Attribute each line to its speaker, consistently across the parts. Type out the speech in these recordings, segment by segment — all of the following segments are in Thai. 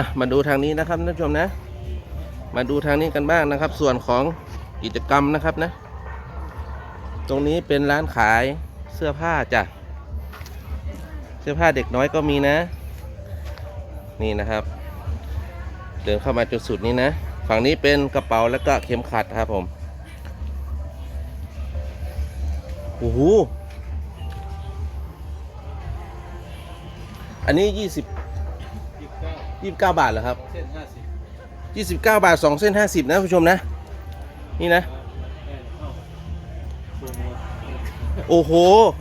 Speaker 1: มาดูทางนี้นะครับท่านผู้ชมนะมาดูทางนี้กันบ้างนะครับส่วนของกิจกรรมนะครับนะตรงนี้เป็นร้านขายเสื้อผ้าจ้ะเสื้อผ้าเด็กน้อยก็มีนะนี่นะครับเดินเข้ามาจุดสุดนี้นะฝั่งนี้เป็นกระเป๋าแล้วก็เข็มขัดครับผมโอ้โหอันนี้29 บาทเหรอครับ29 บาท2เส้น50นะผู้ชมนะนี่นะโอ้โห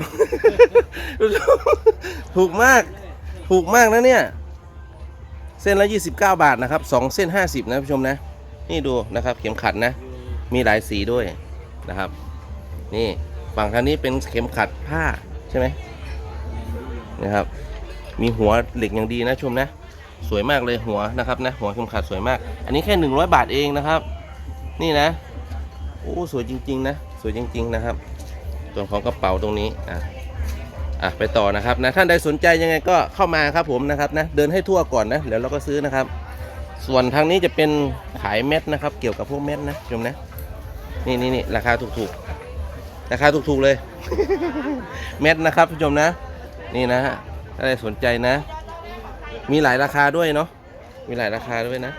Speaker 1: ถูกมากนะเนี่ยเส้นละ29 บาทนะครับ2เส้น50นะผู้ชมนะนี่ดูนะครับเข็มขัดนะมีหลายสีด้วยนะครับนี่ฝั่งทางนี้เป็นเข็มขัดผ้าใช่ไหมนะครับมีหัวเหล็กอย่างดีนะชมนะสวยมากเลยหัวนะครับนะหัวเข็มขัดสวยมากอันนี้แค่100 บาทเองนะครับนี่นะโอ้สวยจริงๆนะสวยจริงๆนะครับส่วนของกระเป๋าตรงนี้ไปต่อนะครับนะท่านใดสนใจยังไงก็เข้ามาครับผมนะครับนะเดินให้ทั่วก่อนนะเดี๋ยวเราก็ซื้อนะครับส่วนทางนี้จะเป็นขายเม็ดนะครับเกี่ยวกับพวกเม็ดนะชมนะนี่ราคาถูกๆราคาถูกๆเลย เม็ดนะครับผู้ชมนะนี่นะฮะถ้าใดสนใจนะมีหลายราคาด้วยเนาะมีหลายราคาด้วยนะ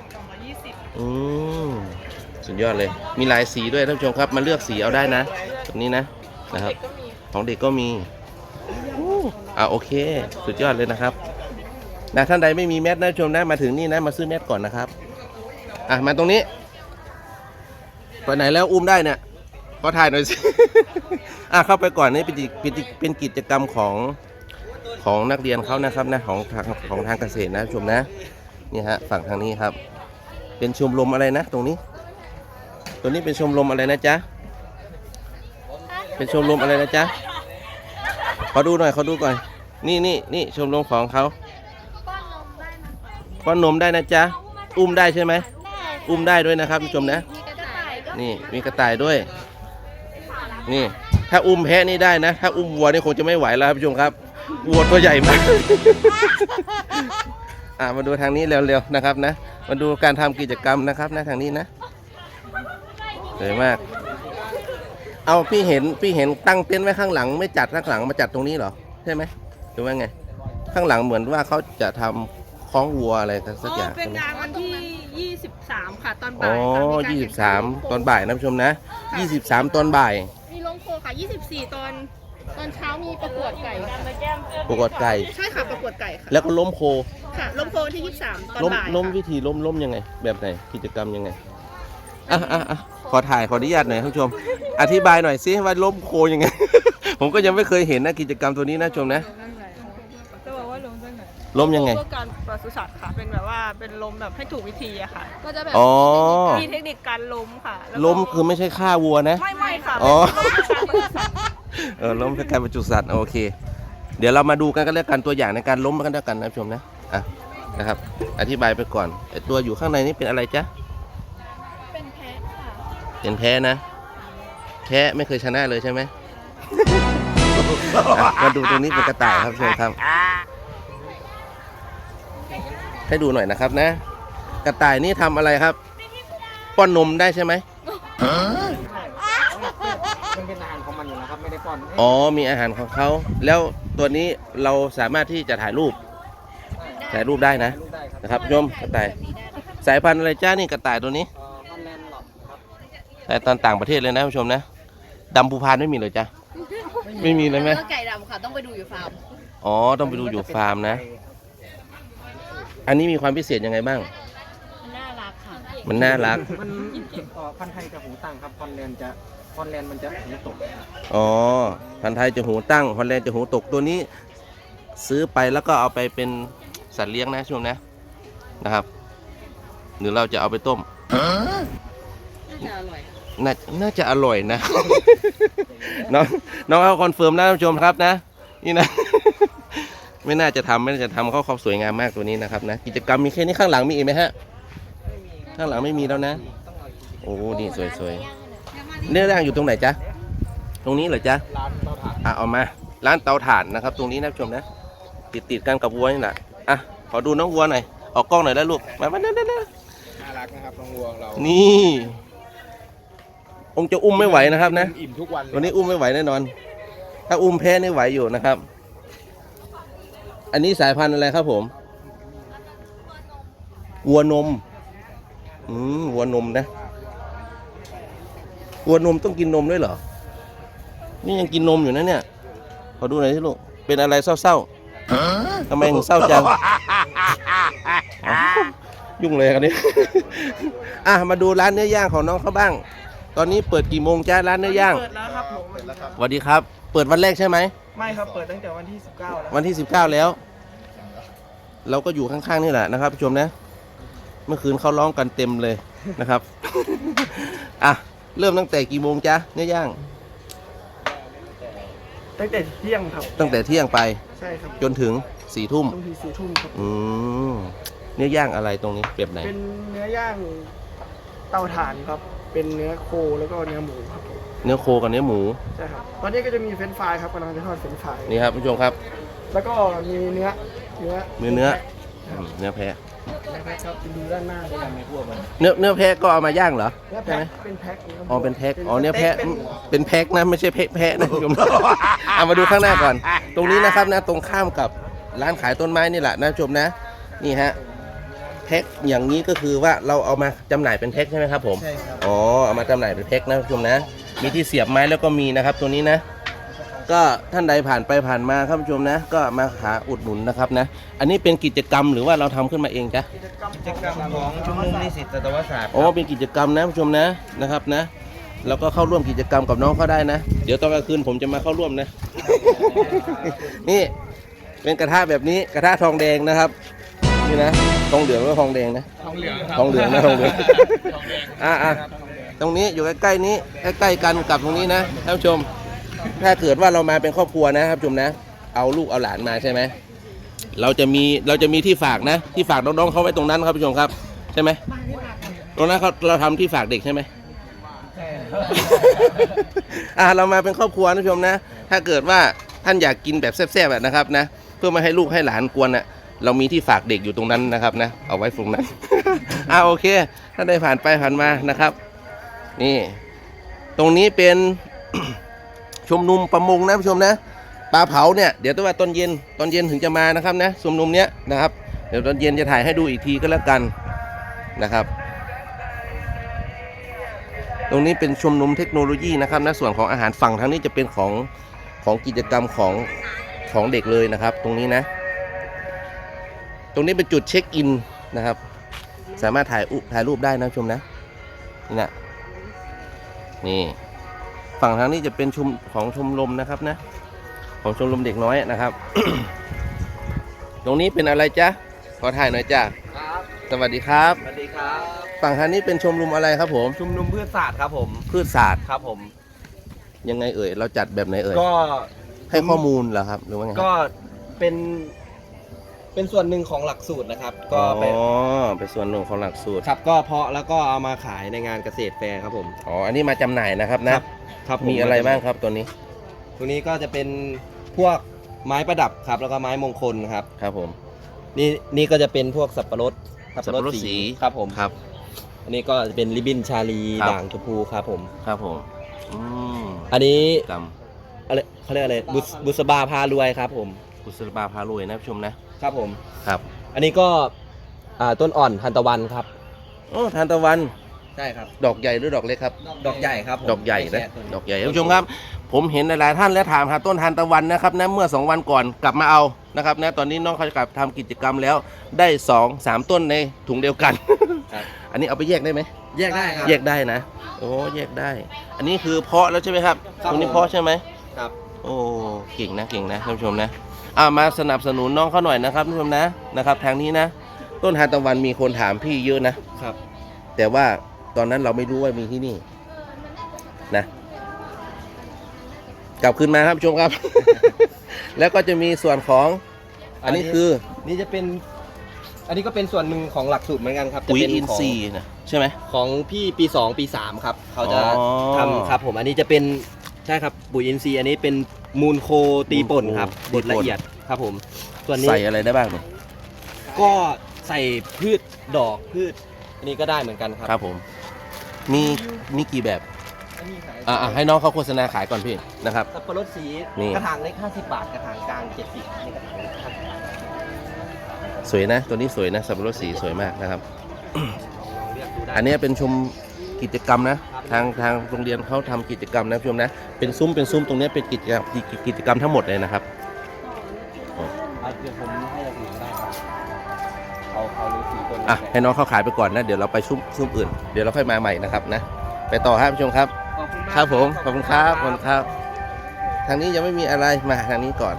Speaker 1: สุดยอดเลยมีหลายสีด้วยท่านผู้ชมครับมาเลือกสีเอาได้นะตรงนี้นะครับของเด็กก็มีโอเคสุดยอดเลยนะครับนะท่านใดไม่มีแมสนะชมนะมาถึงนี่นะมาซื้อแมสก่อนนะครับมาตรงนี้ไปไหนแล้วอุ้มได้เนี่ยขอถ่ายหน่อยสิ เข้าไปก่อนนี่เป็นกิจกรรมของนักเรียนเขานะครับนะของทางเกษตรนะชมนะนี่ฮะฝั่งทางนี้ครับเป็นชมรมอะไรนะตรงนี้เป็นชมรมอะไรนะจ๊ะเป็นชมรมอะไรนะจ๊ะขอดูหน่อยก่อนนี่ชมรมของเขาป้อนนมได้นะจ๊ะอุ้มได้ใช่ไหมอุ้มได้ด้วยนะครับผู้ชมนะนี่มีกระต่ายด้วยนี่ถ้าอุ้มแพะนี่ได้นะถ้าอุ้มวัวนี่คงจะไม่ไหวแล้วครับผู้ชมครับวัวตัวใหญ่มาก มาดูทางนี้เร็วๆนะครับนะมาดูการทำกิจกรรมนะครับนะทางนี้นะสวยมากเอาพี่เห็นตั้งเต็นท์ไว้ข้างหลังไม่จัดข้างหลังมาจัดตรงนี้เหรอใช่ไหมหรือว่าไงข้างหลังเหมือนว่าเขาจะทำคล้องวัวอะไรสักอย่าง
Speaker 2: เป็นงานวันที่23ค่ะตอนบ่าย
Speaker 1: 23ตอนบ่ายนะผู้ชมนะ23ตอนบ่าย
Speaker 2: มีลงโคค่ะ24ตอนเช้ามีประกวดไก่
Speaker 1: ประกวดไก่
Speaker 2: ใช่ค่ะประกวดไก่ค่ะ
Speaker 1: แล้วก็ล้มโค
Speaker 2: ค่ะล้มโคที่23ตอนบ่าย
Speaker 1: ล้มวิธีล้มยังไงแบบไหนกิจกรรมยังไงขออนุญาตหน่อยท่านผู้ชมอธิบายหน่อยสิว่าล้มโคยังไง ผมก็ยังไม่เคยเห็นนะกิจกรรมตัวนี้นะชมนะ
Speaker 2: จะบอกว่า
Speaker 1: ล้มยังไง
Speaker 2: เพื่อการปศุสัตว์ค่ะเป็นแบบว่าเป็นล้มแบบให้ถูกวิธีอะค่ะก็จะแบบมีเทคนิคการล้มค่ะ
Speaker 1: ล้มคือไม่ใช่ฆ่าวัวนะ
Speaker 2: ไม่ค่ะ
Speaker 1: ล้มเพื่อการบรรจุสัตว์โอเคเดี๋ยวเรามาดูกันก็แล้วกันตัวอย่างในการล้มกันแล้วกันนะชมนะนะครับอธิบายไปก่อนตัวอยู่ข้างในนี้เป็นอะไรจ๊ะ
Speaker 2: เป็นแพะค่ะ
Speaker 1: เป็นแพะนะแพะไม่เคยชนะเลยใช่ไหม มาดูตรงนี้เป็นกระต่ายครับชมครับให้ดูหน่อยนะครับนะกระต่ายนี่ทำอะไรครับป้อนนมได้ใช่ไหม
Speaker 3: มันเป็นอาหารของมันอยู่นะครับไม่ได้ป้อน
Speaker 1: มีอาหารของเขาแล้วตัวนี้เราสามารถที่จะถ่ายรูปได้นะครับชมกระต่ายสายพันธุ์อะไรจ้านี่กระต่ายตัวนี้
Speaker 3: พันแลนด์หลอดครับ
Speaker 1: แต่ตอนต่างประเทศเลยนะผู้ชมนะดำภูพานไม่มีเลยจ้ะไม่มีเลยไหม
Speaker 2: ไก่ดำค่ะต้องไปดูอยู่ฟาร์ม
Speaker 1: ต้องไปดูอยู่ฟาร์มนะอันนี้มีความพิเศษยังไงบ้าง
Speaker 2: น่ารักค่ะ
Speaker 1: มันน่ารัก
Speaker 3: มันพันธุ์ไทยจะหูตั้งครับฮอลแลนด์มันจะหูตก
Speaker 1: พันธุ์ไทยจะหูตั้งฮอลแลนด์จะหูตกตัวนี้ซื้อไปแล้วก็เอาไปเป็นสัตว์เลี้ยงนะช่วงนะครับหรือเราจะเอาไปต้มน่าจะอร่อยนะ น้องเขาคอนเฟิร์มนะท่านผู้ชมครับนะนี่นะ ไม่น่าจะทำเขาสวยงามมากตัวนี้นะครับนะกิจกรรมมีแค่นี้ข้างหลังมีอีกไหมฮะข้างหลังไม่มีแล้วนะโอ้นี่สวยๆเนื้อย่างอยู่ตรงไหนจ๊ะตรงนี้เหรอจ๊ะ
Speaker 3: ร้านเตาถ่าน
Speaker 1: เอามาร้านเตาถ่านนะครับตรงนี้นะท่านผู้ชมนะติดกันกับวัวนี่แหละขอดูน้องวัวหน่อยออกกล้องหน่อยได้ลูกมาเด้อ
Speaker 3: น่ารักนะครับน้องวัวของเรา
Speaker 1: นี่องค์จะอุ้มไม่ไหวนะครับนะ
Speaker 3: อิ่มทุกวันเลย
Speaker 1: วันนี้อุ้มไม่ไหวแน่นอน ถ้าอุ้มแพ้นี่ไหวอยู่นะครับ อันนี้สายพันธุ์อะไรครับผมวัวนมวัวนมนะวัวนมต้องกินนมด้วยเหรอนี่ยังกินนมอยู่นะเนี่ยขอดูหน่อยสิลูกเป็นอะไรเศร้าๆทำไมถึงเศร้าจังอ้าวยุ่งเลยกันนี้ มาดูร้านเนื้อย่างของน้องเขาบ้าง ตอนนี้เปิดกี่โมงจ้าร้านเนื้อย่าง
Speaker 2: เปิดแล้วครับผม
Speaker 1: สวัสดีครับ เปิดวันแรกใช่ไหม
Speaker 2: ไม่ครับเปิดตั้งแต่วันที่ 19 แล้ว
Speaker 1: วันที่ 19 แล้ว เราก็อยู่ข้างๆนี่แหละนะครับผู้ชมนะ เมื่อคืนเขาร้องกันเต็มเลยนะครับ เริ่มตั้งแต่กี่โมงจ๊ะเนื้อย่าง
Speaker 2: ตั้งแต่เที่ยงครับ
Speaker 1: ตั้งแต่เที่ยงไป
Speaker 2: ใช่ครับ
Speaker 1: จนถึง4 ทุ่ม
Speaker 2: ต้องที4 ทุ่มครับ
Speaker 1: เนื้อย่างอะไรตรงนี้เปรียบไหน
Speaker 2: เป็นเนื้อย่างเตาถ่านครับ เป็นเนื้อโคแล้วก็เนื้อหมูครับผม
Speaker 1: เนื้อโคกับเนื้อหมู
Speaker 2: ใช่ครับ ตอนนี้ก็จะมีเฟรนช์ฟรายครับกำลังจะทอดเฟรนช์ฟราย
Speaker 1: นี่ครับผู้ชมครับ
Speaker 2: แล้วก็มีเนื้อ
Speaker 1: เนื้อแพะ
Speaker 2: ครับดูด้านหน้าด้วยกันในพวกมัน
Speaker 1: เนื้อแพะก็เอามาย่างเหรอ
Speaker 2: เนื้อ
Speaker 1: ใช่
Speaker 2: แพ็
Speaker 1: ไหม
Speaker 2: คเป็นแพ็คครับ
Speaker 1: อ๋อเป็นแพ็คอ๋อเนื้อแพะ
Speaker 2: เป็น
Speaker 1: เป็นแพ็คนะไม่ใช่แพะนะผู้ชม เอามาดูข้างหน้าก่อน ตรงนี้นะครับนะตรงข้ามกับร้านขายต้นไม้นี่แหละนะผู้ชมนะนี่ฮะแพ็คอย่างนี้ก็คือว่าเราเอามาจำหน่ายเป็นแพ็คใช่ไหมครับผม
Speaker 3: ใช่ครับ
Speaker 1: อ๋อเอามาจำหน่ายเป็นแพ็คนะผู้ชมนะมีที่เสียบไม้แล้วก็มีนะครับตัวนี้นะก็ท่านใดผ่านไปผ่านมาครับผู้ชมนะก็มาหาอุดหนุนนะครับนะอันนี้เป็นกิจกรรมหรือว่าเราทำขึ้นมาเองจ๊ะ
Speaker 2: กิจกรรม
Speaker 3: กิจกรรมของชุมนุมนิสิตสัตวศาสตร์
Speaker 1: อ๋อเป็นกิจกรรมนะผู้ชมนะครับนะแล้วก็เข้าร่วมกิจกรรมกับน้องเขาได้นะเดี๋ยวตอนกลางคืนผมจะมาเข้าร่วมนะ นี่เป็นกระทะแบบนี้กระทะทองแดงนะครับนี่นะทองเหลืองหรือทองแดงนะ
Speaker 3: ทองเหลือง
Speaker 1: ทองเหลืองนะทองเหลืองตรงนี้อยู่ใกล้ๆนี้ใกล้ๆกันกับตรงนี้นะท่านผู้ชมถ้าเกิดว่าเรามาเป็นครอบครัวนะครับผู้ชมนะเอาลูกเอาหลานมาใช่ไหมเราจะมีที่ฝากนะที่ฝากน้องๆเขาไว้ตรงนั้นครับผู้ชมครับใช่ไหมตรงนั้นเราทำที่ฝากเด็กใช่ไหม เรามาเป็นครอบครัวนะผู้ชมนะถ้าเกิดว่าท่านอยากกินแบบแซ่บๆแบบนะครับนะเพื่อไม่ให้ลูกให้หลานกวนนะเรามีที่ฝากเด็กอยู่ตรงนั้นนะครับนะเอาไว้ตรงนั้น โอเคถ้าได้ผ่านไปผ่านมานะครับนี่ตรงนี้เป็น ชมนุมประมงนะผู้ชมนะปลาเผาเนี่ยเดี๋ยวต้องว่าตอนเย็นถึงจะมานะครับนะชมนุมเนี้ยนะครับเดี๋ยวตอนเย็นจะถ่ายให้ดูอีกทีก็แล้วกันนะครับ ตรงนี้เป็นชมนุมเทคโนโลยีนะครับนะส่วนของอาหารฝั่งทางนี้จะเป็นของกิจกรรมของเด็กเลยนะครับ ตรงนี้นะ ตรงนี้เป็นจุดเช็คอินนะครับสามารถถ่ายรูปได้นะชมนะนี่นะนี่ฝั่งทางนี้จะเป็นของชมรมนะครับนะของชมรมเด็กน้อยนะครับ ตรงนี้เป็นอะไรจ๊ะขอถ่ายหน่อยจ้ะ
Speaker 3: ครับ
Speaker 1: สวัสดีครับ
Speaker 3: สวัสดีครับ
Speaker 1: ฝั่งทางนี้เป็นชมรมอะไรครับผม
Speaker 3: ชุมนุมพืชศาสตร์ครับผม
Speaker 1: พืชศาสตร์
Speaker 3: ครับผม
Speaker 1: ยังไงเอ่ยเราจัดแบบไหนเอ่ย
Speaker 3: ก็
Speaker 1: ให้ข้อมูลเหรอครับหรือว่าไง
Speaker 3: ก็เป็นส่วนหนึ่งของหลักสูตรนะครับ ก็
Speaker 1: อ๋
Speaker 3: เป็น
Speaker 1: อเป็นส่วนหนึ่งของหลักสูตร
Speaker 3: ครับก็เพาะแล้วก็เอามาขายในงานเกษตรแฟร์ครับผม
Speaker 1: อ๋ออันนี้มาจำหน่ายนะครับนะครับ
Speaker 3: ครับผ
Speaker 1: มีอะไรบ้างครับตัวนี้
Speaker 3: ตรงนี้ก็จะเป็นพวกไม้ประดับครับแล้วก็ไม้มงคลครับ
Speaker 1: ครับผม
Speaker 3: นี่ก็จะเป็นพวกสับปะรด
Speaker 1: สับปะรดสี
Speaker 3: ครับผม
Speaker 1: ครับ
Speaker 3: อันนี้ก็จะเป็นริบบิ้นชาลี
Speaker 1: ครับ
Speaker 3: ด่างชมพูครับผม
Speaker 1: ครับผมม
Speaker 3: อันนี้
Speaker 1: กรรม
Speaker 3: อะไรเขาเรียกอะไรบุษบาพารวยครับผม
Speaker 1: กุศลบาพารวยนะผู้ชมนะครับ
Speaker 3: ผม
Speaker 1: ครับ
Speaker 3: อันนี้ก็ต้นอ่อนทันตะวันครับ
Speaker 1: โอ้ทานตะวัน
Speaker 3: ใช่ครับ
Speaker 1: ดอกใหญ่หรือดอกเล็กครับ
Speaker 3: ดอกใหญ่ครับผม
Speaker 1: ดอกใหญ่นะ
Speaker 3: ไม่แค่ต้
Speaker 1: ดอกใหญ่ท่านผู้ชมครับ ผมเห็นหลายๆท่านแล้วถามหาต้นทานตะวันนะครับนะเมื่อ2 วันก่อนกลับมาเอานะครับนะตอนนี้น้องเขาจะกลับทำกิจกรรมแล้วได้2-3 ต้นในถุงเดียวกัน
Speaker 3: ครับ
Speaker 1: อันนี้เอาไปแยกได้ไหม
Speaker 3: แยกได้ครับ
Speaker 1: แยกได้นะโอ้แยกได้ อันนี้คือเพาะแล้วใช่ไหมครับ
Speaker 3: ครับ
Speaker 1: ตรงนี้
Speaker 3: ผม
Speaker 1: เพาะใช่ไหม
Speaker 3: ครับ
Speaker 1: โอ้เก่งนะท่านผู้ชมนะมาสนับสนุนน้องเขาหน่อยนะครับท่านผู้ชมนะครับทางนี้นะต้นทานตะวันมีคนถามพี่เยอะนะครับ แต่ว่าตอนนั้นเราไม่รู้ว่ามีที่นี่นะกลับคืนมาครับผู้ชมครับ แล้วก็จะมีส่วนของอันนี้คือ
Speaker 3: นี่จะเป็น อันนี้ก็เป็นส่วนหนึ่งของหลักสูตรเหมือนกันครับจะ
Speaker 1: ปุ๋ย
Speaker 3: เป็น
Speaker 1: อิน
Speaker 3: ของ
Speaker 1: ทรีย์นะใช่ไหม
Speaker 3: ของพี่ปี 2 ปี 3 ครับ เขาจะ
Speaker 1: อ๋อ
Speaker 3: ทำครับผมอันนี้จะเป็นใช่ครับปุ๋ยอินทรีย์อันนี้เป็นมูลโคตีป่นครับ
Speaker 1: มู
Speaker 3: บ
Speaker 1: ลโค
Speaker 3: ดละเอียดครับผมส่วนนี้
Speaker 1: ใส่อะไรได้บ้างเนี่ย
Speaker 3: ก็ใส่พืชดอกพืชอันนี้ก็ได้เหมือนกันครับ
Speaker 1: ครับผมมีกี่แบบ
Speaker 3: อันนี้ขาย
Speaker 1: ให้น้องเขาโฆษณาขายก่อนพี่นะครับ
Speaker 3: สับปะรดสี
Speaker 1: นี่
Speaker 3: กระถางเล็ก50 บาทกระถางกลาง70นี่กระถางเล็ก50 บาท
Speaker 1: สวยนะตัวนี้สวยนะสับปะรดสีสวยมากนะครับ
Speaker 3: ลองเลือกดูได้
Speaker 1: อันนี้เป็นชมกิจกรรมนะทางโรงเรียนเขาทำกิจกรรมนะผู้ชมนะเป็นซุ้มตรงนี้เป็นกิจกรรมทั้งหมดเลยนะครับ
Speaker 3: เดี๋ยวผมให้เราดูได้ครับเอาฤาษีตัวนี้
Speaker 1: ให้น้องเขาขายไปก่อนนะเดี๋ยวเราไปซุ้มอื่นเดี๋ยวเราค่อยมาใหม่นะครับนะไปต่อครับผู้ชมครับ
Speaker 3: ขอบคุณมาก
Speaker 1: ครับผมขอบคุณครับทางนี้ยังไม่มีอะไรมาทางนี้ก่อน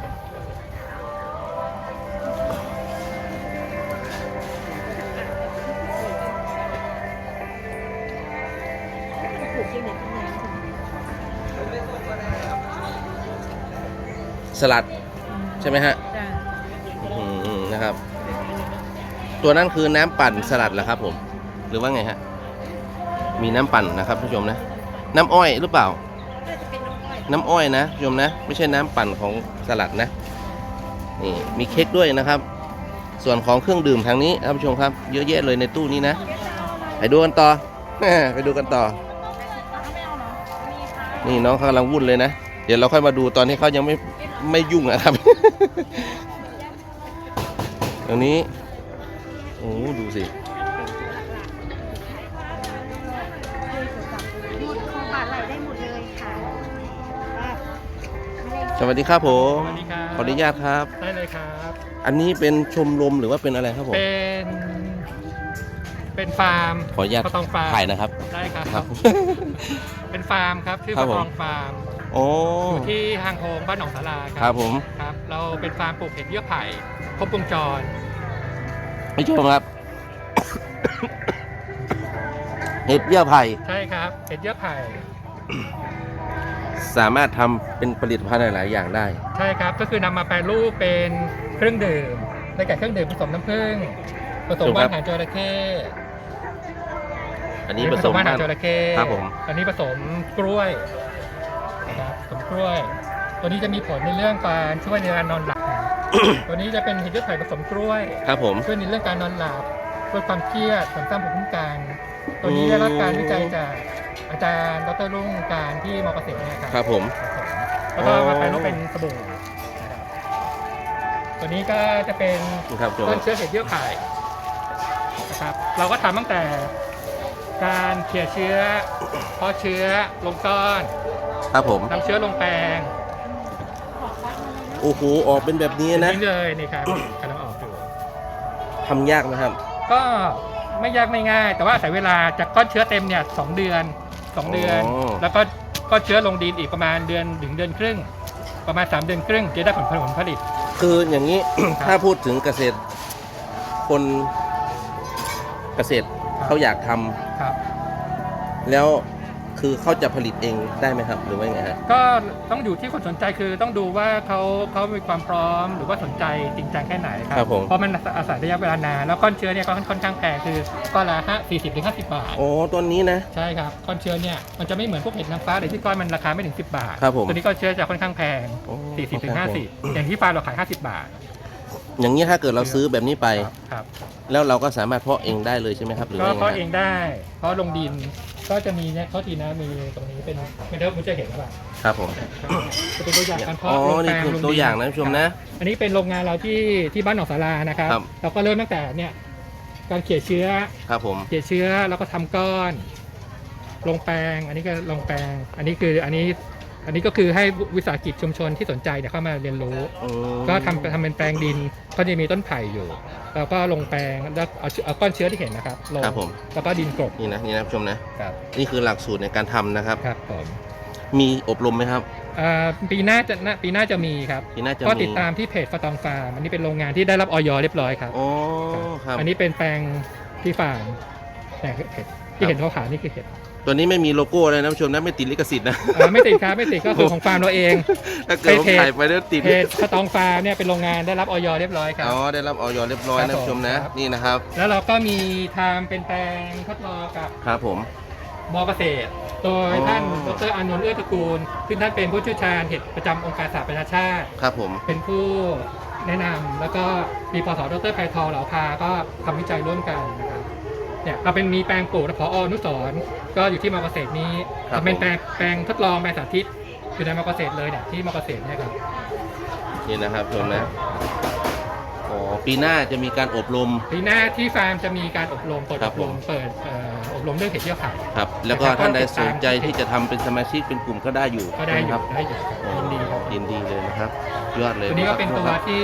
Speaker 1: สลัดใช่ไหมฮะ
Speaker 2: จ้ะ
Speaker 1: นะครับ ตัวนั้นคือน้ำปั่นสลัดเหรอครับผมหรือว่าไงฮะมีน้ำปั่นนะครับผู้ชมนะน้ำอ้อยหรือเปล่า
Speaker 2: น่าจะเป็นน้ำอ้อย
Speaker 1: น้ำอ้อยนะผู้ชมนะไม่ใช่น้ำปั่นของสลัดนะนี่มีเค้กด้วยนะครับ ส่วนของเครื่องดื่มทางนี้ครับผู้ชมครับเยอะแยะเลยในตู้นี้นะไปดูกันต่อ ไปดูกันต่อ นี่น้องเขากำลังวุ่นเลยนะเดี๋ยวเราค่อยมาดูตอนที่เขายังไม่ยุ่งนะครับ ตรงนี้โอ้ดูสิ
Speaker 2: หมดของบาทไหลได้หมดเลยค่ะ
Speaker 1: สวัสดีครับผม
Speaker 4: สวัสดีครับ
Speaker 1: ขออนุญาตครับ
Speaker 4: ได้เลยครับ
Speaker 1: อันนี้เป็นชมรมหรือว่าเป็นอะไรครับผม
Speaker 4: เป็นฟาร์ม
Speaker 1: ขออนุญาต
Speaker 4: ปะตองฟาร์ม
Speaker 1: ถ่ายนะครับ
Speaker 4: ได้ครับ
Speaker 1: ครับ
Speaker 4: เป็นฟาร์มครับชื่อ
Speaker 1: ครั
Speaker 4: ป
Speaker 1: บ
Speaker 4: ระ
Speaker 1: ผม
Speaker 4: ตองฟาร์ม
Speaker 1: โอ้
Speaker 4: อยู่ที่ทางโฮงบ้านหนองสาราค
Speaker 1: ครั
Speaker 4: รับ
Speaker 1: ผม
Speaker 4: ครับ เราเป็นฟาร์มปลูกเห็ดเยื่อไผ่ครบวงจร
Speaker 1: ผู้ชมครับ เห็ดเยื่อไผ่
Speaker 4: ใช่ครับเห็ดเยื่อไผ่
Speaker 1: สามารถทำเป็นผลิตภัณฑ์หลายๆอย่างได้
Speaker 4: ใช่ครับก็คือนำมาแปรรูปเป็นเครื่องดื่มได้แก่เครื่องดื่มผสมน้ำผึ้งผสม
Speaker 1: ถูกค
Speaker 4: ว่า
Speaker 1: รับ
Speaker 4: นหางจระเข้
Speaker 1: อันนี้ผสม
Speaker 4: ว่านหาง
Speaker 1: น้ำ
Speaker 4: จระเข้
Speaker 1: ครับผม
Speaker 4: อันนี้ผสมกล้วยนะครับผสมกล้วย ตัวนี้จะมีผลในเรื่องการช่วยในการนอนหลับ ตัวนี้จะเป็นเห็ดเลือดไผ่ผสมกล้วย
Speaker 1: ครับผม
Speaker 4: ช่วยในเรื่องการนอนหลับลดความเครียดเสริมสร้างภูมิคุ้มกันตัวนี้ได้รับการวิจัยจากอาจารย์ดรรุ่งการที่มอเกษตรเนี่ยครับ
Speaker 1: ครับผม
Speaker 4: แล้วก็มาแปลรูปเป็นสบู่นะครับตัวนี้ก็จะเป็น
Speaker 1: ครับผม
Speaker 4: ต้นเชื้อเห็ดเยื่อไผ่นะครับเราก็ทำตั้งแต่การเขี่ยเชื้อเพาะเชื้อลงก้อน
Speaker 1: ครับผม
Speaker 4: นำเชื้อลงแปลง
Speaker 1: โอ้โหออกเป็นแบบนี้นะ
Speaker 4: นี่เลยนี่ครับกำลังออกอยู่
Speaker 1: ทำยากไหมครับ
Speaker 4: ก็ไม่ยากไม่ง่าย แต่ว่าอาศัยเวลาจากก้อนเชื้อเต็มเนี่ย2 เดือน 2 เดือน
Speaker 1: อ๋อ
Speaker 4: แล้วก็ก้อนเชื้อลงดินอีกประมาณเดือนถึงเดือนครึ่ง ประมาณ3 เดือนครึ่งจะได้ผลผลิต
Speaker 1: คืออย่างนี้ ถ้าพูดถึงเกษตรคนเกษตรเขาอยากทำ
Speaker 4: ครับ
Speaker 1: แล้วคือเขาจะผลิตเองได้ไหมครับ หรือว่าไงฮะ
Speaker 4: ก็ต้องอยู่ที่คนสนใจคือต้องดูว่าเขามีความพร้อมหรือว่าสนใจจริงจังแค่ไหนครั
Speaker 1: ครับผม
Speaker 4: เพราะมันอาศัยระยะเวลานานแล้วก้อนเชื้อเนี่ยก็ค่อนข้างแพงคือก้อนละ40 ถึง 50 บาท
Speaker 1: โอ้ต้นนี้นะ
Speaker 4: ใช่ครับก้อนเชื้อเนี่ยมันจะไม่เหมือนพวกเห็ดนางฟ้าเลยที่ก้อนมันราคาไม่ถึง10 บาท
Speaker 1: ครับผม
Speaker 4: ตัวนี้ก้อนเชื้อจะค่อนข้างแพง
Speaker 1: โอ้
Speaker 4: 40 ถึง
Speaker 1: ครับผม
Speaker 4: 50อย่างที่ฟาร์มเราขาย50 บาท
Speaker 1: อย่างนี้ถ้าเกิดเราซื้อแบบนี้ไป
Speaker 4: ครับ
Speaker 1: แล้วเราก็สามารถเพาะเองได้เลยใช่ไหมครับหรือ
Speaker 4: ก็
Speaker 1: ว่า
Speaker 4: เพาะ
Speaker 1: ไง
Speaker 4: เองได้เพราะลงดินก็จะมีเนี่ยเขาทีนะมีตรงนี้เป็นไม่รู้คุณจะเห็นหรือเปล่า
Speaker 1: ครับผม
Speaker 4: จะเป็นตัวอย่างการ
Speaker 1: อ๋อ
Speaker 4: เพาะลง
Speaker 1: นี่
Speaker 4: แปลง
Speaker 1: คือ
Speaker 4: ลงดิน
Speaker 1: ตัวอย่างนะผู้ชมนะ
Speaker 4: อันนี้เป็นโรงงานเราที่บ้านหนองสารานะครับ
Speaker 1: ครับ
Speaker 4: เราก็เริ่มตั้งแต่เนี่ยการเขี่ยเชื้อ
Speaker 1: ครับผม
Speaker 4: เขี่ยเชื้อแล้วก็ทำก้อน ลงแปลง อันนี้ก็ลงแปลง อันนี้ก็คือให้วิสาหกิจชุมชนที่สนใจเนี่ยเข้ามาเรียนรู้
Speaker 1: อืม
Speaker 4: ก็ทำเป็นแปลงดินก็จะมีต้นไผ่อยู่แล้วก็ลงแปลงแล้วเอาก้อนเชื้อที่เห็นนะครับลง
Speaker 1: ครับผม
Speaker 4: แล้วก็ดินกลบ
Speaker 1: นี่นะผู้ชมนะ
Speaker 4: ครับ
Speaker 1: นี่คือหลักสูตรในการทำนะครับ
Speaker 4: ครับผม
Speaker 1: มีอบรมไหมครับ
Speaker 4: ปีหน้าจะมีครับ
Speaker 1: ปีหน้าจะ
Speaker 4: ก็
Speaker 1: มี
Speaker 4: ติดตามที่เพจฟาตองฟาร์มอันนี้เป็นโรงงานที่ได้รับออยเรียบร้อยครับ
Speaker 1: อ๋อครับ
Speaker 4: อันนี้เป็นแปลงที่ฟาร์มแต่เห็ดที่เห็นเขาขายนี่คือเห็ด
Speaker 1: ตัวนี้ไม่มีโลโก้เลยนะผู้ชมนะไม่ติดลิขสิทธิ์นะ
Speaker 4: ไม่ติดครับไม่ติดก็คือของฟาร์มเราเอง
Speaker 1: ถ้าเกิดผม
Speaker 4: เพจ
Speaker 1: ถ่ายไปแล้วติด
Speaker 4: เพจฟาตองฟาร์มเนี่ยเป็นโรงงานได้รับออยเรียบร้อยครับ
Speaker 1: อ๋อได้รับออยเรียบร้อย
Speaker 4: ครั
Speaker 1: นะ
Speaker 4: บ
Speaker 1: ผู้ชมนะ
Speaker 4: ครับ
Speaker 1: นี่นะครับ
Speaker 4: แล้วเราก็มีทำเป็นแปลงทดลองกับ
Speaker 1: ครับผม
Speaker 4: มอเกษตร โดย
Speaker 1: อ๋อ
Speaker 4: ท่านดรอานนท์เอื้อตระกูลซึ่งท่านเป็นผู้เชี่ยวชาญเห็ดประจำองค์การสหประชาชาติ
Speaker 1: ครับผม
Speaker 4: เป็นผู้แนะนำแล้วก็มีปสดรไพฑรเหลาภาก็ทำวิจัยร่วมกันนะครับเนี่ยเราเป็นมีแปลงปลูกผอ.อนุสรณ์ก็อยู่ที่มอเกษตรนี้
Speaker 1: ครับ
Speaker 4: เป็นแปลงทดลองแปลงสาธิตอยู่ในมอเกษตรเลยเนี่ยที่มอเกษตรเนี่ยครับ
Speaker 1: นี่นะครับชมนะอ๋อปีหน้าจะมีการอบรม
Speaker 4: ปีหน้าที่ฟาร์มจะมีการอบรมเปิด
Speaker 1: ครั
Speaker 4: อ
Speaker 1: บบ ผม
Speaker 4: รมเปิดอบรมเรื่องเห็ดเยี่ยวไข่
Speaker 1: ครับแล้วก็ท่านใดสนใจที่จะทำเป็นสมาชิกเป็นกลุ่มก็ได้อยู่
Speaker 4: ก็ได้อยู่
Speaker 1: นะครับ
Speaker 4: ได้อยู่
Speaker 1: อ๋อ
Speaker 4: ยินดีครับ
Speaker 1: ยินดีเลยนะครับยอดเลย
Speaker 4: ตัวนี้ก็เป็นตัว
Speaker 1: ครับ
Speaker 4: ที่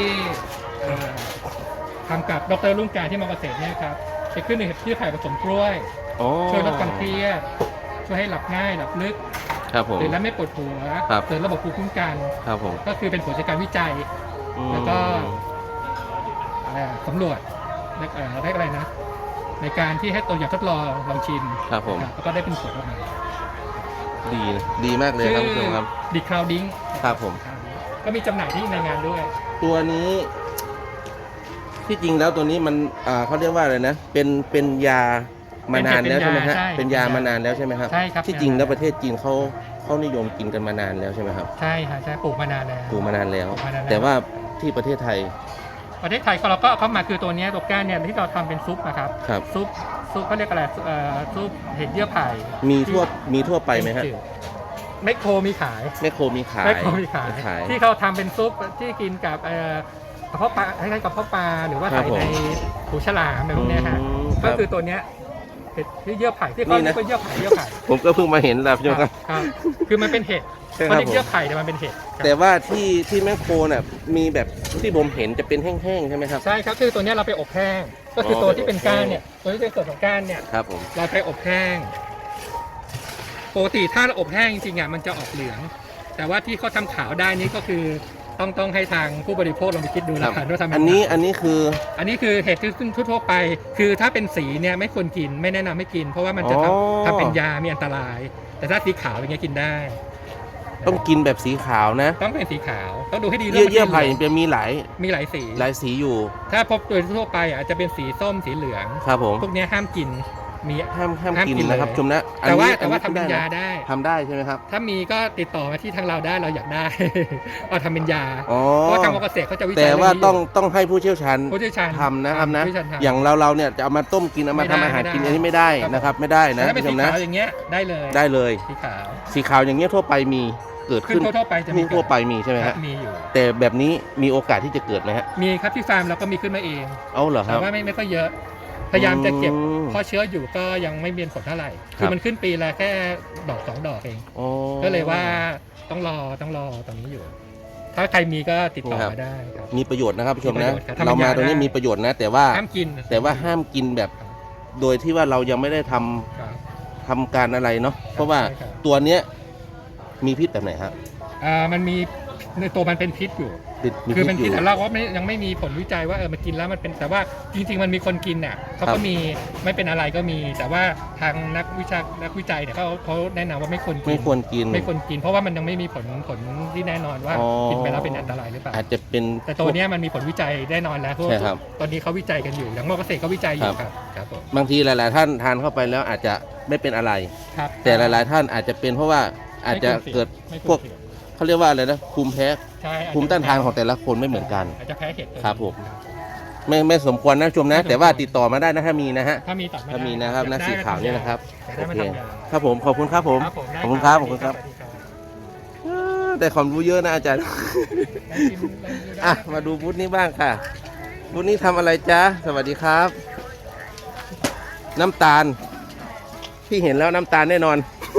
Speaker 4: ทำกับดรลุ่งการที่มอเกษตรเนี่ยครับจะขึ้นในเห็ดเยี่ยวไข่ผสมกล้วย
Speaker 1: อ๋อ
Speaker 4: ช่วยลดความเครียดช่วยให้หลับง่ายหลับลึก
Speaker 1: ครับผม
Speaker 4: ตื่นแล้วไม่ปวดหัว
Speaker 1: ครับ
Speaker 4: เสริมระบบภูมิคุ้มกัน
Speaker 1: ครับผม
Speaker 4: ก็คือเป็นผลจากการวิจัย
Speaker 1: อืม
Speaker 4: แล้วก็สำรวจได้อะไรนะ ในการที่ให้ตัวอย่างทดลองลองชิม
Speaker 1: ครับผม
Speaker 4: แล้วก็ได้เป็นผลออกมา
Speaker 1: ดีนะดีมากเลยครับคุณผู้ชมครับ
Speaker 4: ดิคลาวดิ้ง
Speaker 1: ครับผม
Speaker 4: ก็มีจำหน่ายที่ในงานด้วย
Speaker 1: ตัวนี้ที่จริงแล้วตัวนี้มันเขาเรียกว่าอะไรนะเป็นยามานานแล้วใช่ไหมฮะเป็นยามานานแล้วใช่ไหมครับ
Speaker 4: ใช่ครับ
Speaker 1: ที่จริงแล้วประเทศจีนเขานิยมกินกันมานานแล้วใช่ไหมครับ
Speaker 4: ใช่ค่ะใช่ปลูกมานานแล้ว
Speaker 1: ปลูกมานานแล้ว
Speaker 4: ปลูกมานานแล้ว
Speaker 1: แต่ว่าที่ประเทศไทย
Speaker 4: ประเทศไทยเราก็เอาเข้ามาคือตัวเนี้ยตัวก้านเนี่ยที่เราทำเป็นซุปนะครับ
Speaker 1: ครับ
Speaker 4: ซุปเขาเรียกอะไรซุปเห็ดเยื่อไผ่
Speaker 1: มีทั่วไปไหมฮะ
Speaker 4: แมคโครมีขาย
Speaker 1: แมคโครมีขาย
Speaker 4: แมคโครมีขาย
Speaker 1: ขาย
Speaker 4: ที่เขาทำเป็นซุปที่กินกับกระเพาะปลาคล้ายๆกระเพาะปลาหรือว่า
Speaker 1: ครั
Speaker 4: ใส่
Speaker 1: บผม
Speaker 4: ในหูฉลามอะไรพวกเนี้ยฮะ
Speaker 1: ครั
Speaker 4: ก็
Speaker 1: บ
Speaker 4: คือตัวเนี้ยเห็ดที่เยื่อไผ่ที่เขา
Speaker 1: นี่
Speaker 4: เรี
Speaker 1: นะ
Speaker 4: ยกว่าเยื่อไผ่เยื่อไผ่
Speaker 1: ผมก็เพิ่งมาเห็นแล้วพี่โยครับ
Speaker 4: ครับคือมันเป็นเห็ด
Speaker 1: ใช่ครับ
Speaker 4: เขาเรียกเยื่อไผ่แต่มันเป็นเห็ดครับ
Speaker 1: แต่ว่าที่แมคโครน่ะมีแบบที่ผมเห็นจะเป็นแห้งๆใช่ไหมครับ
Speaker 4: ใช่ครับคือตัวเนี้ยเราไปอบแห้งก็คือตัวที่เป็นก้านเนี่ยตัวที่เป็นส่วนของก้านเนี่ย
Speaker 1: ครับผม
Speaker 4: เราไปอบแห้งปกติถ้าเราอบแห้งจริงๆอ่ะมันจะออกเหลือง แต่ว่าที่เขาทำขาวได้นี่ก็คือต้องให้ทางผู้บริโภคลองไปคิดดู
Speaker 1: ค
Speaker 4: แล้
Speaker 1: รั
Speaker 4: ว
Speaker 1: บ
Speaker 4: กันว่าทำยังไง
Speaker 1: อันนี้คือ
Speaker 4: อันนี้คือเห็ดที่ทั่วๆไป คือถ้าเป็นสีเนี่ยไม่ควรกินไม่แนะนำให้กิน เพราะว่ามันจะ
Speaker 1: อ๋อ
Speaker 4: ทำเป็นยามีอันตราย แต่ถ้าสีขาวอย่างเงี้ยกินได้
Speaker 1: ต้องกินแบบสีขาวนะ
Speaker 4: ต้องเป็นสีขาวต้องดูให้ดี
Speaker 1: เยื่อ
Speaker 4: มัน
Speaker 1: เยื่อไผ่
Speaker 4: หลืง
Speaker 1: เป็นมีหลาย
Speaker 4: มีหลายสี
Speaker 1: สีอยู่
Speaker 4: ถ้าพบโดยทั่วไปอาจจะเป็นสีส้มสีเหลือง
Speaker 1: ครับผม
Speaker 4: พวกเนี้ยห้ามกินมี
Speaker 1: ห้าม
Speaker 4: ห้าม
Speaker 1: กิน
Speaker 4: กิน
Speaker 1: นะครับ
Speaker 4: เลย
Speaker 1: ชมนะอัน
Speaker 4: แต่ว่า
Speaker 1: นี้
Speaker 4: แต่ว่า
Speaker 1: อั
Speaker 4: ทำเป็นยา
Speaker 1: ะ
Speaker 4: ได้
Speaker 1: ทำได้ใช่ไหมครับ
Speaker 4: ถ้ามีก็ติดต่อมาที่ทางเราได้เราอยากได้ เอาทำเป็นยา
Speaker 1: อ๋อ
Speaker 4: เพราะว่าทางมอเกษตรเขาจะวิจัย
Speaker 1: แต่ว่า
Speaker 4: เรื่นี้
Speaker 1: ต้องให้ผู้เชี่ยวชาญ
Speaker 4: ผู้เชี่ยวชาญ
Speaker 1: ทำนะครับนะ
Speaker 4: ผู้เชี่ยวชาญทำ
Speaker 1: อย่างเราเนี่ยจะเอามาต้มกินเอามา
Speaker 4: ไม่ได้
Speaker 1: ทำอาหารกิน
Speaker 4: ไม่ได้
Speaker 1: อันนี้ไม่ได้นะครับไม่ได้
Speaker 4: แต่
Speaker 1: นะ
Speaker 4: ถ้าเป็น
Speaker 1: ผู้ช
Speaker 4: สี
Speaker 1: มนะ
Speaker 4: ขาวอย่างเงี้ยได้เลย
Speaker 1: ได้เลย
Speaker 4: สีขาว
Speaker 1: สีขาวอย่างเงี้ยทั่วไปมีเกิด
Speaker 4: ขึ้
Speaker 1: ขึ้
Speaker 4: น
Speaker 1: น
Speaker 4: ทั่วไปจะ
Speaker 1: มี
Speaker 4: มี
Speaker 1: ทั่วไปมีใช่ไหม
Speaker 4: ค
Speaker 1: ฮะ
Speaker 4: รับมีอยู่
Speaker 1: แต่แบบนี้มีโอกาสที่จะเกิดไหมฮะ
Speaker 4: มีครับที่ฟาร์มเราก็มีขึ้นมาเอง
Speaker 1: เอาเหรอค
Speaker 4: แต่
Speaker 1: รับ
Speaker 4: ว่าไม่ค่อยเยอะ พยายามจะเก็บ
Speaker 1: อืม
Speaker 4: เพราะเชื้ออยู่ก็ยังไม่เมียนผลเท่าไหร่
Speaker 1: ครับ
Speaker 4: คือมันขึ้นปีละแค่ดอกสองดอกเอง
Speaker 1: อ๋อ
Speaker 4: ก็เลยว่าต้องรอตอนนี้อยู่ ถ้าใครมีก็ติดต่อ
Speaker 1: ครับ
Speaker 4: มาได้ครับ
Speaker 1: มีประโยชน์นะครับผู้ชม
Speaker 4: มีประ
Speaker 1: นะ
Speaker 4: โยชน์ครับ
Speaker 1: เรามา
Speaker 4: ทำเป็นยา
Speaker 1: ตรงนี้
Speaker 4: ได้
Speaker 1: มีประโยชน์นะ แต่ว่า
Speaker 4: ห้ามกิน
Speaker 1: ห้ามกินแบบโดยที่ว่าเรายังไม่ได้ทำ
Speaker 4: ครับ
Speaker 1: ทำการอะไรเนาะเพราะว่า
Speaker 4: ใช่ครับ
Speaker 1: ตัวเนี้ยมีพิษแบบไหนฮะ
Speaker 4: มันมีในตัวมันเป็นพิษอยู่
Speaker 1: มี
Speaker 4: คือ
Speaker 1: พิ
Speaker 4: เป็น
Speaker 1: ษอ
Speaker 4: พิษ
Speaker 1: ยู่
Speaker 4: แต่เราก็ยังไม่มีผลวิจัยว่ามันกินแล้วมันเป็นแต่ว่าจริงๆมันมีคนกินน่ะเขา
Speaker 1: ครั
Speaker 4: ก็
Speaker 1: บ
Speaker 4: มีไม่เป็นอะไรก็มี แต่ว่าทางนักวิจัยเนี่ยเขาแนะนำว่าไม่ควรกิน
Speaker 1: ไม่ควรกิน
Speaker 4: ไม่ควรกิน เพราะว่ามันยังไม่มีผลที่แน่นอนว่า
Speaker 1: อ๋อ
Speaker 4: กินไปแล้วเป็นอันตรายหรือเปล่า
Speaker 1: อาจจะเป็น
Speaker 4: แต่ตัวเนี้ยมันมีผลวิจัยแน่นอนแล้วเพราะ
Speaker 1: ใช่
Speaker 4: ว่า
Speaker 1: ครับ
Speaker 4: ตอนนี้เขาวิจัยกันอยู่อย่างมอเกษตรก็วิจัยอยู่
Speaker 1: ครับ
Speaker 4: ครับผม
Speaker 1: บางทีหลาย ๆ ท่านทานเข้าไปแล้วอาจจะไม่เป็นอะไร
Speaker 4: ครับ
Speaker 1: แต่หลาย ๆ ท่านอาจจะเป็นเพราะว่าอาจจะเกิด
Speaker 4: ไม่
Speaker 1: พวก
Speaker 4: เสี่ยง
Speaker 1: เขาเรียกว่าอะไรนะภูมิแพ้
Speaker 4: ใช่
Speaker 1: ภูมิต้านทานของแต่ละคนไม่เหมือนกัน
Speaker 4: อาจจะแพ้เห็ด
Speaker 1: ครับผม ไม่สมควรนะชมนะ แต่ว่าติดต่อมาได้นะถ้ามีนะฮะ
Speaker 4: ถ้ามีต่อมา
Speaker 1: ถ้ามีนะครับนะสีขาวเนี่ยนะครับ
Speaker 4: อยาก
Speaker 1: โอ
Speaker 4: ได้มา
Speaker 1: เค
Speaker 4: ทำยา
Speaker 1: ครับผมขอบคุณครับผม
Speaker 4: ครับผมได้
Speaker 1: ขอบคุณครับขอบคุณครับ
Speaker 4: สวัสดีครับ
Speaker 1: ได้ความรู้เยอะนะอาจารย์
Speaker 4: ได้ชิมได้ดูได้
Speaker 1: อ่ะมาดูบูธนี้บ้างค่ะบูธนี้ทำอะไรจ๊ะสวัสดีครับ น้ำตาลที่เห็นแล้วน้ำตาลแน่นอน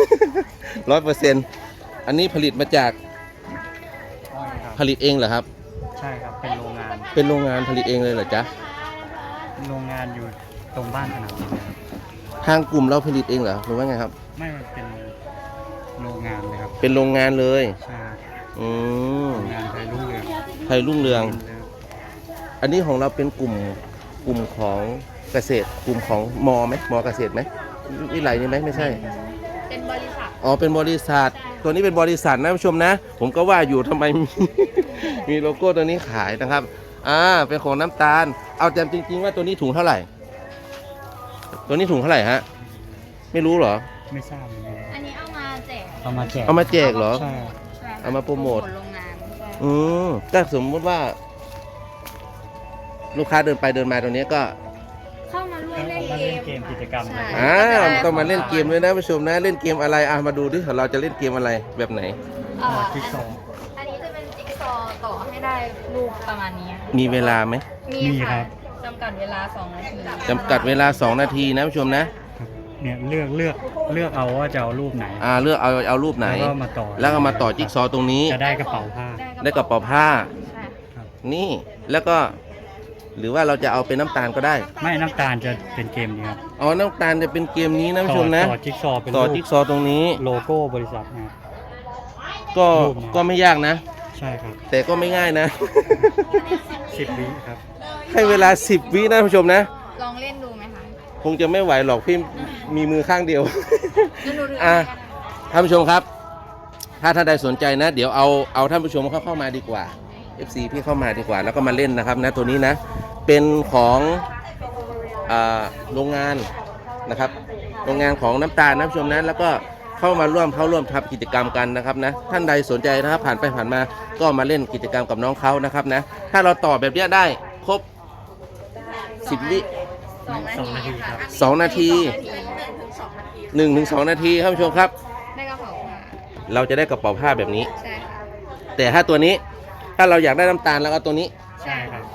Speaker 1: 100%อันนี้ผลิตมาจากผลิตเองเหรอครับ
Speaker 3: ใช่ครับ เป็นโรงงาน
Speaker 1: เป็นโรงงานผลิตเองเลยเหรอจ๊ะ
Speaker 3: โรงงานอยู่ตรงบ้านขนาดนี้เลยครับ
Speaker 1: ทางกลุ่มเราผลิตเองเหรอหรือว่าไงครับ
Speaker 3: ไม่มันเป็นโรงงานเลยครับ
Speaker 1: เป็นโรงงานเลย
Speaker 3: ใช่
Speaker 1: อืม
Speaker 3: โรงงานไทยรุ่งเรือง
Speaker 1: ไทยรุ่งเรือง
Speaker 3: เลย
Speaker 1: อันนี้ของเราเป็นกลุ่มของเกษตร กลุ่มของมอไหมมอเกษตรไหมวิไลนี่ไหมไม่ใช่
Speaker 2: เป็นบริษัท
Speaker 1: อ๋อเป็นบริษัทตัวนี้เป็นบริษัทนะผู้ชมนะ ผมก็ว่าอยู่ทำไม มีโลโก้ตัวนี้ขายนะครับเป็นของน้ำตาล เอาจำจริง ๆ ว่าตัวนี้ถุงเท่าไหร่ ตัวนี้ถุงเท่าไหร่ฮะไม่รู้เหรอ
Speaker 3: ไม่ทราบเหมือนกัน
Speaker 2: อันนี้เอามาแจก
Speaker 3: เอามาแจก
Speaker 1: เอามาแจกเหรอ
Speaker 3: ใช่
Speaker 2: ใช่ค่ะ
Speaker 1: เอามาโปรโมท
Speaker 2: โรงงานใช่
Speaker 1: ถ้าสมมติว่าลูกค้าเดินไปเดินมาตรงนี้ก็
Speaker 2: เข้ามาร่วมเล่น
Speaker 3: มา
Speaker 2: เก
Speaker 3: เล่น
Speaker 2: ม
Speaker 3: เกมกิจกรรม
Speaker 2: ใช่
Speaker 1: ต้องมาเล่นเกมด้วยนะผู้ชมนะเล่นเกมอะไรมาดูดิเราจะเล่นเกมอะไรแบบไหน
Speaker 3: จิ๊กซอว์
Speaker 2: อันนี้จะเป็นจิ๊กซอว์ต่อให้ได้รูปประมาณนี้ค่ะ
Speaker 1: มีเวลาไหม
Speaker 3: มีครั
Speaker 2: ค่ะ
Speaker 3: บ
Speaker 2: จำกัดเวลา2 นาที
Speaker 1: จำกัดเวลา 2 นาทีนะผู้ชมนะ
Speaker 3: เนี่ยเลือกเอาว่าจะเอารูปไหน
Speaker 1: เลือกเอารูปไหน
Speaker 3: แล้วก็มาต่อ
Speaker 1: แล้วก็มาต่อจิ๊กซอว์ตรงนี้
Speaker 3: จะได้กระเป๋าผ้า
Speaker 1: ได้กระเป๋าผ้า
Speaker 2: ใช่
Speaker 1: นี่แล้วก็หรือว่าเราจะเอาเป็นน้ำตาลก็ได้
Speaker 3: ไม่น้ำตาลจะเป็นเกมนี้ครับ
Speaker 1: อ๋อน้ำตาลจะเป็นเกมนี้นะผู้ชมนะ
Speaker 3: ต่อจิ๊กซอว์เป็น
Speaker 1: ต่อ
Speaker 3: รูป
Speaker 1: จิ๊กซอว์ตรงนี้
Speaker 3: โลโก้บริษัทนะครับ
Speaker 1: ก็
Speaker 3: รูปนะ
Speaker 1: ก็ไม่ยากนะ
Speaker 3: ใช่ครับ
Speaker 1: แต่ก็ไม่ง่ายนะ
Speaker 3: 10 วิครับ
Speaker 1: ให้เวลา 10 วินะผู้ชมนะ
Speaker 2: ลองเล่นดูไหมคะ
Speaker 1: คงจะไม่ไหวหรอกพี่มีมือข้างเดียว
Speaker 2: เล่นดูถือ
Speaker 1: อ่ะ
Speaker 2: ได้
Speaker 1: ท่านผู้ชมครับ ถ้าท่านใดสนใจนะ เดี๋ยวเอาท่านผู้ชมเข้ามาดีกว่า FC พี่เข้ามาดีกว่า แล้วก็มาเล่นนะครับนะตัวนี้นะ เป็นของโรงงานนะครับ โรงงานของน้ำตาลนะผู้ชมนะ แล้วก็เข้าร่วมทำกิจกรรมกันนะครับนะ ท่านใดสนใจนะครับ ผ่านไปผ่านมาก็มาเล่นกิจกรรมกับน้องเขานะครับนะ ถ้าเราต่อแบบเนี้ยได้ครบ 10 วิ
Speaker 2: 2 นาทีค่ะ
Speaker 1: 2 นาที 1-2 นาทีครับผู้ชมครับ
Speaker 2: ได้กระเป๋าผ้า
Speaker 1: เราจะได้กระเป๋าผ้าแบบนี้
Speaker 2: ใช่ค่ะ
Speaker 1: แต่ถ้าตัวนี้ถ้าเราอยากได้น้ำตาลแล้วก็ตัวนี้
Speaker 3: ใช่ครับ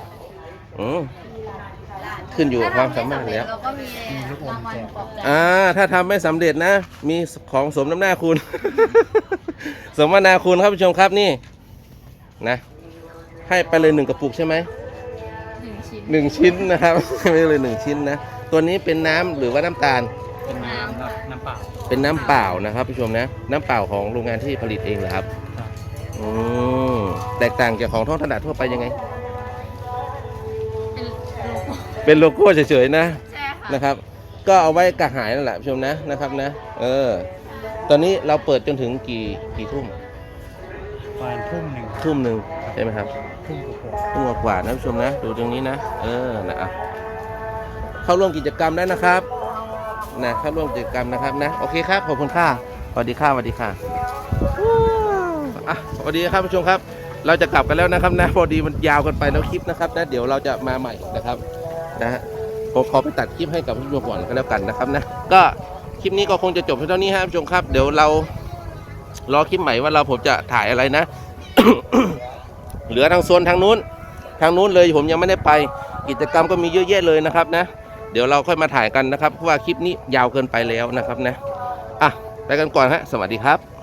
Speaker 1: ขึ้นอยู่กับความสามารถแล้ว
Speaker 2: เราก็มีรางวัลปลอบใจ
Speaker 1: ถ้าทำไม่สำเร็จนะ มีของสมน้ำหน้าคุณ สมนาคุณครับผู้ชมครับนี่นะ ให้ไปเลย1 กระปุกใช่ไหม
Speaker 2: 1 ชิ้น
Speaker 1: 1 ชิ้นนะครับ ไม่เลย1 ชิ้นนะ ตัวนี้เป็นน้ำหรือว่าน้ำตาล
Speaker 3: เป็นน้ำครับน้ำเปล่า
Speaker 1: เป็นน้ำเปล่านะครับผู้ชมนะ น้ำเปล่าของโรงงานที่ผลิตเองเหรอครับ
Speaker 3: ครับ
Speaker 1: แตกต่างจากของท้องตลาดทั่วไปยังไง
Speaker 2: เป็นโลโก้
Speaker 1: เป็นโลโก้เฉยๆนะ
Speaker 2: ใช่ค่ะ
Speaker 1: นะครับ ก็เอาไว้กระหายนั่นแหละผู้ชมนะนะครับนะ ตอนนี้เราเปิดจนถึงกี่ทุ่ม
Speaker 3: ประมาณทุ่มหนึ่ง
Speaker 1: ทุ่มหนึ่งใช่ไหมครับ
Speaker 3: ทุ่มกว่า
Speaker 1: ทุ่มกว่าๆนะผู้ชมนะดูตรงนี้นะนะเข้าร่วมกิจกรรมได้นะครับนะเข้าร่วมกิจกรรมนะครับนะโอเคครับขอบคุณค่ะสวัสดีค่ะสวัสดีค่ะสวัสดีครับผู้ชมครับ เราจะกลับกันแล้วนะครับนะพอดีมันยาวกันไปแล้วคลิปนะครับนะเดี๋ยวเราจะมาใหม่นะครับนะฮะผมขอไปตัดคลิปให้กับผู้ชมก่อนก็แล้วกันนะครับนะก็คลิปนี้ก็คงจะจบเท่านี้ครับผู้ชมครับเดี๋ยวเรารอคลิปใหม่ว่าผมจะถ่ายอะไรนะ เหลือทางโซนทางนู้นเลยผมยังไม่ได้ไปกิจกรรมก็มีเยอะแยะเลยนะครับนะเดี๋ยวเราค่อยมาถ่ายกันนะครับเพราะว่าคลิปนี้ยาวเกินไปแล้วนะครับนะไปกันก่อนฮะสวัสดีครับ